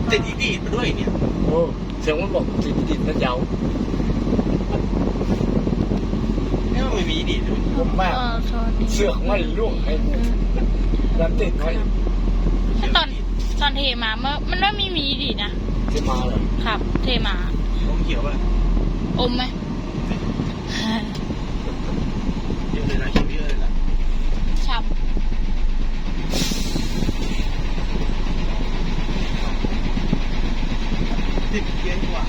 ติดอีดีดมาด้วยเนี่ยโอ้เสียงมันบอกติดดินนะเจ้าเนี่ยมันไม่มีอีดีดด้วยผมมากเสือกไม่ล่วงให้แล้วติดไว้ตอนเทมามันไม่มีดีนะเทมาเลยครับเทมาอมเขียวป่ะอมไหมเยอะเลยนะเขียวเยอะเลยนะช้ำติดเย็นกว่า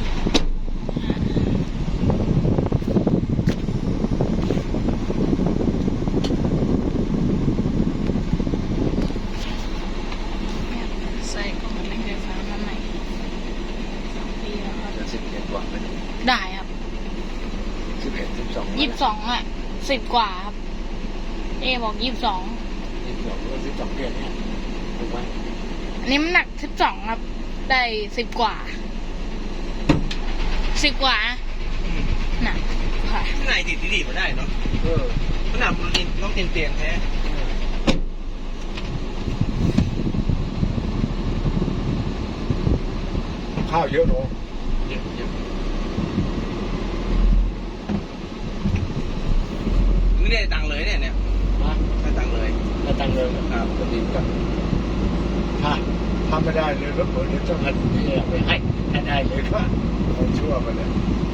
ได้ครับ22อ่ะ10 กว่าครับบอก22 เดือนเนี่ยถูกไหมอันนี้มันหนัก12ครับได้10 กว่า10 กว่าหนักค่ะข้างในติดดีๆมาได้เนาะขนาดต้องเตียนแท้ข้าวเยอะเนาะเยอะไม่ได้ตังเลยเนี่ยได้ตังเลยครับก็ดีกันถ้าไม่ได้เลยรถเปิดจะต้องหันนี่ไปให้ได้เลยก็ชั่วไปเลย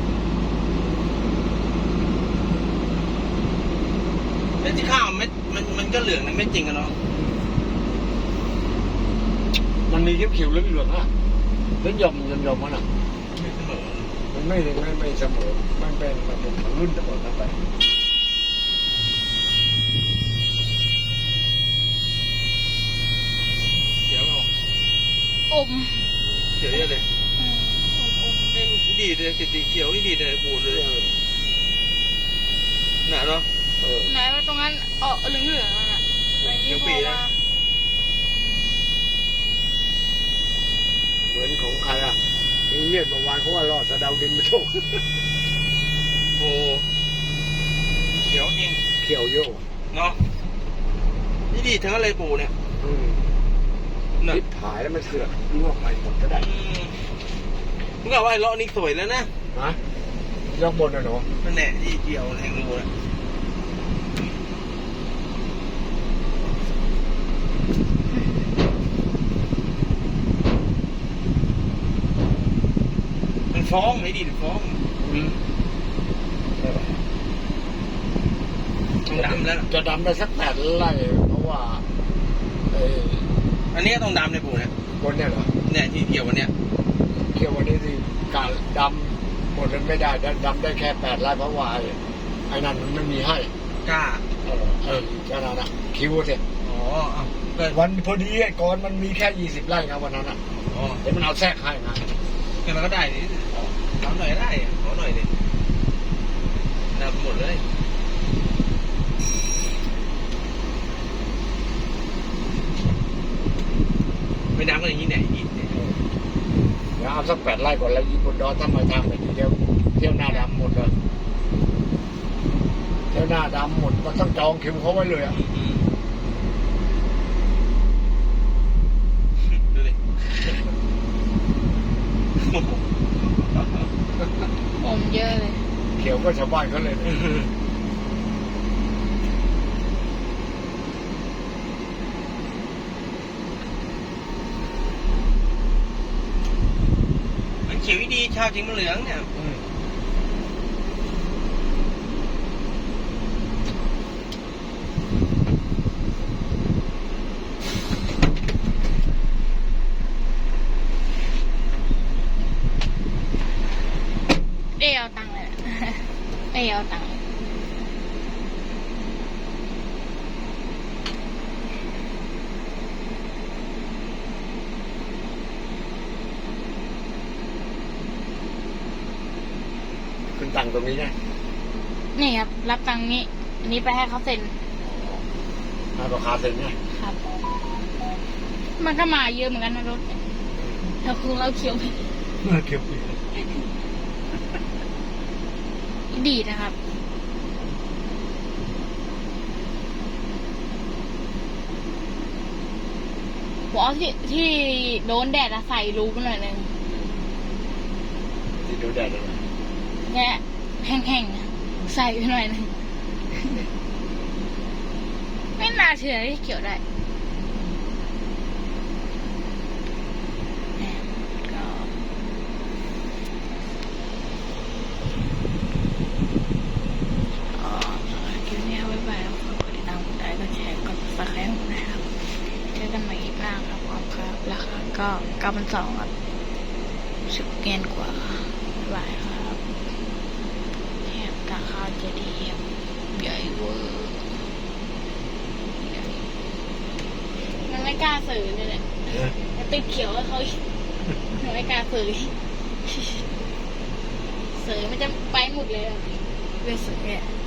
แล้วที่ข้าวมันก็เหลืองนะไม่จริงกันเนาะมันมีเขียวๆเหลืองๆอ่ะแล้วยอมมันอ่ะไม่เสมอมันไม่เสมอมันเป็นรุ่นทั้งหมดนั่นไปเขียวไม่อมเขียวเยอะเลยดีเลยสีเขียวดีเลยบูดเลยหนาเนาะไหนว่าตรงนั้นเหลืองๆนั่นน่ะเขียวปีนะเหมือนของใครอ่ะเงียบเมื่อวานเขาว่ารอดสะเดาดินมาโชคโอ้เขียวจริงเขียวเยอะเนาะนี่ดีทั้งอะไรปูเนี่ยนิดถ่ายแล้วมันเสือกลวกไปหมดก็ได้มึงกล่าวว่าไอ้เลาะนี่สวยแล้วนะยกบนนะเนาะนั่นแหละที่เดียวแทงรูนะมันฟ้องไม่ดีฟ้องดำแล้วจะดำได้สัก8 ไร่เพราะว่าอันนี้ต้องดำในปูเนี่ยบนเนี่ยเหรอเนี่ยที่เขียววันเนี้ยเขียววันนี้สิการดำหมดมันไม่ได้ดำได้แค่8 ไร่เพราะว่าไอ้นั่นมันไม่มีให้กล้าก็นั่นนะคิวเสร็จวันพอดีไอ้ก่อนมันมีแค่20 ไร่นะวันนั้นอ่ะเดี๋ยวมันเอาแทรกให้นะแค่มันก็ได้ดิดำหน่อยได้ขอหน่อยดิดำหมดเลยไม่ดำก็อย่างนี้ไหนอีกเดี๋ยวเอาสัก8 ไร่ก่อนแล้วยิงบนดอนทำไมทำไปทีเดียวเที่ยวหน้าดำหมดเลยเที่ยวหน้าดำหมดมันต้องจองคิวเขาไว้เลยอ่ะดูดิอมเยอะเลยเขียวก็ชาวบ้านเขาเลยเขียวดีชาวจริงมันเหลืองเนี่ยเอาตังค์เลยเอาตังค์ขึ้นตังค์ตรงนี้ไงนี่ครับรับตังค์นี้อันนี้ไปให้เขาเซ็นราคาเซ็นไงครับมันก็มาเยอะเหมือนกันนะรถเราคือเราเขียวไปดีนะครับผมเอาที่โดนแดดอะใส่รูไปหน่อยนึงที่ดูได้เลยเนี่ยแห้งๆอะใส่ไปหน่อยนึง ไม่น่าเชื่อที่เกี่ยวได้เนี่ยก็คลิปนี้บ๊ายบายแล้วฝากกดติดตามกดไลค์กดแชร์กด subscribe นะครับเจอกันใหม่อีกครั้งครับผมครับราคาก็9,200ครับ10เยนกว่าบ๊ายบายครับแถบราคาจะดีครับใหญ่เวอร์มันไม่กล้าซื้อเลยเนี่ยมันติดเขียวให้เขาอีกมันไม่กล้าซื้อซื้อมันจะไปหมดเลยอะเลยซื้อเนี่ย